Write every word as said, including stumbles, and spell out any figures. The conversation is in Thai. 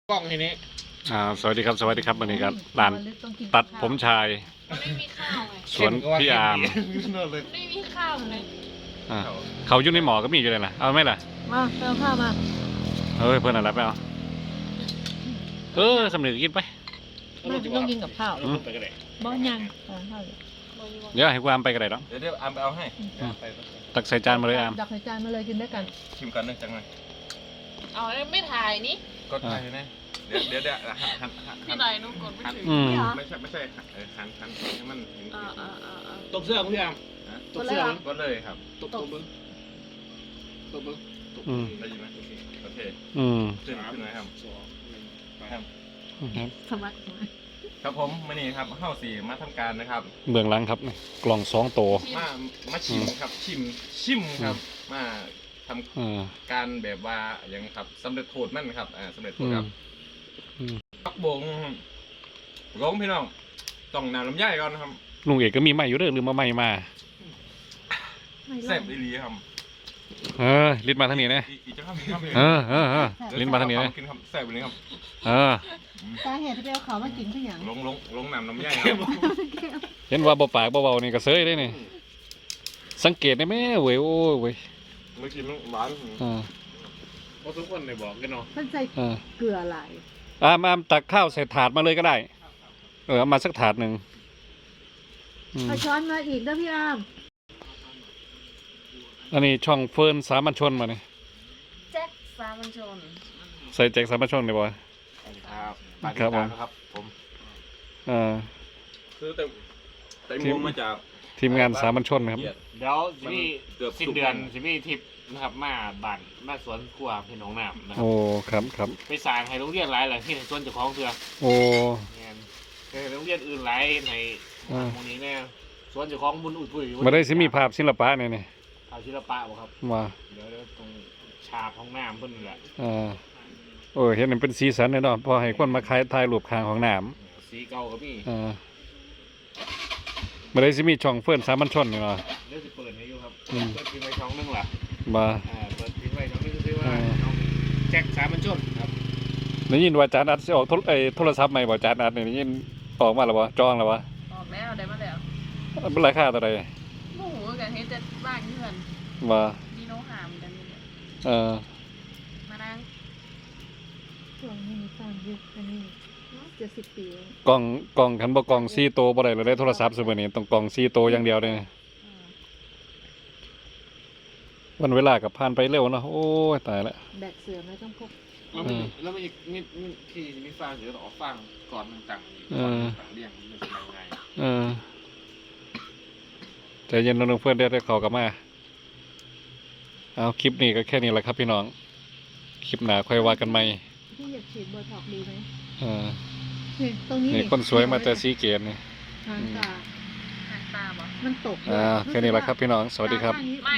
กล้องทีนี้อ่าสวัสดีครับสวัสดีครับวันนี้ครับร้านตัดผมชายมันไม่มีข้าวไงสวนพี่อาร์มไม่มีข้าวเลยอ่าเขาอยู่ในหมอก็มีอยู่เลยนะเอาไหมล่ะมาเอาข้าวมาเฮ้ยเพื่อนอะไรไปเอาเออสำเร็จกินไปไม่ต้องกินกับข้าวอืมบ่ยังเอาข้าวอยู่เดี๋ยวให้กูอามไปก็ได้หรอกเดี๋ยวเดี๋ยวอามไปเอาให้ตักใส่จานมาเลยอามดักใส่จานมาเลยกินด้วยกันชิมกันหนึ่งจังเลยเอาไม่ถ่ายนี่กดไปนะเดี๋ยวเดี๋ยวเดี๋ยวหันหันหันพี่หน่อยนุกดไม่ถึงอืมไม่ใช่ไม่ใช่เออหันหันให้มันเห็นอ่าอ่าอ่าอ่าตบเสื้อคุณพี่อามนะตบเสื้อก็เลยครับตบตบมึงตบมึงอืมได้ยินไหมโอเคอืมขึ้นขึ้นไหมครับสองหนึ่งไปครับครับสมัครครับผมมื่อนี้ครับเข้าสี่มาทำการนะครับเบื้องหลังครับนี่กล่องสองโตมามาชิมครับชิมชิมครับมาทอ่าำการแบบว่าอย่างครับสำเร็จโทษมั่นครับอ่าสำเร็จโทอืษมครับอืมปักบงลงพี่น้องต้องน้ำลำไยก่อนนะครับลุงเอกก็มีไม้อยู่เด้อลืมมาไม้มาแซ่บอีหลีครับเออลิ้นมาทางนี้นะอีกอีกจะข้ามอีกข้ามเออเออเออลิ้นมาทางนี้นะกินครับแซ่บอีหลีครับเออสาเหตุที่ไปเอาเขามากินคืออย่างลงลงลงน้ำลำไยครับเห็นว่าเบาปากเบาๆนี่ก็เซยได้นี่สังเกตได้ไหมเว้ยโอ้ยเว้ยเมื่อกี้มันหวานอ่าเพราะทุกคนเลยบอกกันเนาะมันใส่อ่าเกลือหลายอามอามตักข้าวใส่ถาดมาเลยก็ได้ เออเอามาสักถาดหนึ่งอืมเอาช้อนมาอีกนะพี่อามอันนี้ช่องเฟิร์นสามัญชนมาเนี่ยแจ็คสามัญชนใส่แจ็คสามัญชนเลยบ่ครับครับผมครับผมเออคือแต่แต่งวมาจากทีมงานสามัญชนนะครับเดี๋ยวสิมีสิ้นเดือนสิมีทิปนะครับมาบ้านมาสวนครัวพี่น้องน้ำนะครัโอ้บครับครับไปสร้างให้โรงเรียนหลายหลังที่สวนเจ้าของเถื่อโอ้เงี้ยให้โรงเรียนอื่นหลายในอ่าหมู่นี้แน่สวนเจ้าของบุญอุ่ยปุ้ยมาได้สิมีภาพศิลปะเนี่ยนี่ภาพศิลปะบ่ครับมาเดี๋ยวเดี๋ยวตรงฉากห้องน้ำเพิ่นนี่แหละอ่าโอ้ยเห็นมันเป็นสีสันแน่นอนพอให้คนมาขายถ่ายรูปข้างของน้สีเก่าก็มีำอ่ามาได้สิมีช่องเฟิร์นสามัญชนนี่เนาะเดี๋ยวสิเปิดให้อยู่ครับอืมเปิดทิ้งไว้ช่องนึงล่ะมาอ่าเปิดทิ้งไว้ช่องนึงคือว่าอ่าน้องแจ็คสามัญชนครับได้ยินว่าจานอัดสิออกโทรเอ้ยโทรศัพท์ใหม่บ่จานอัดนี่ได้ยินออกมาแล้วบ่จองแล้วบ่ออกแล้วได้มาแล้วเป็นราคาเท่าไหร่โอ้โหกันเฮ็ดจะบ้านเพื่อนว่าดีโนหามกันนี่แหละเออมานั่งช่วงนี้มีสร้างยุคอันนี้เจ็ดสิบปีแล้วกล่องกล่องคันบ่กล่องสี่โตวบ่ได้เลยได้โทรศัพท์ซุมื้อนี้ต้องกล่องสี่โตวอย่างเดียวเลยอ่าวันเวลากับผ่านไปเร็วเนาะโอ้ยตายละแบกเสือไม่ต้องพกแล้วมีแล้วมีมีมีที่มีฟางเดี๋ยวต่อฟางก่อนต่างๆเออต่างเรียงมันเป็นยังไงเออใจเย็นน้องๆเพื่อนได้ได้เข้ากลับมาเอาคลิปนี้ก็แค่นี้แหละครับพี่น้องคลิปหน้าค่อยว่ากันใหม่พี่อยากฉีดโบท็อกซ์ดีไหมเออนี่ตรงนี้นี่คนสวยมาแต่สีเกตนี่ทางตาหางตาบ่มันตกอ่าแค่นี้แหละครับพี่น้องสวัสดีครับข้างนี้ไม่